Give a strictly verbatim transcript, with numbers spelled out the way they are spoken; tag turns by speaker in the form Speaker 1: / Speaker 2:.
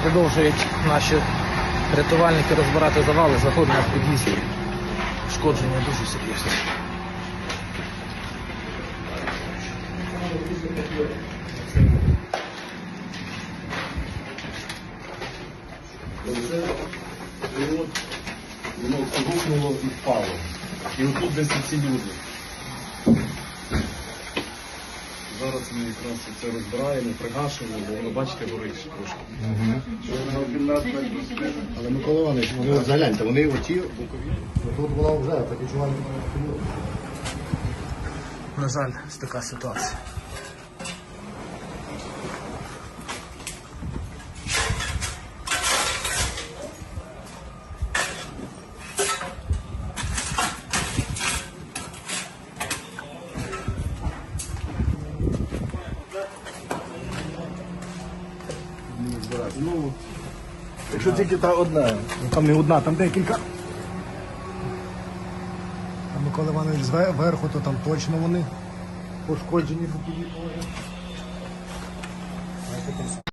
Speaker 1: Продовжують наші рятувальники розбирати завали, заходимо в під'їзді. Ушкодження дуже серйозне.
Speaker 2: Воно рухнуло і впало. І отут десь ці люди. Зараз ми якраз це розбираємо, пригашуємо, бо воно, бачите, горить трошки.
Speaker 3: Але Микола Іванович, вони от загляньте, вони оті бокові. Тут була вже таке чування.
Speaker 1: На жаль, ось така ситуація.
Speaker 3: Ну, якщо тільки та одна, ну, там не одна, там декілька. А Микола Іванович зверху, то там точно вони пошкоджені бокові.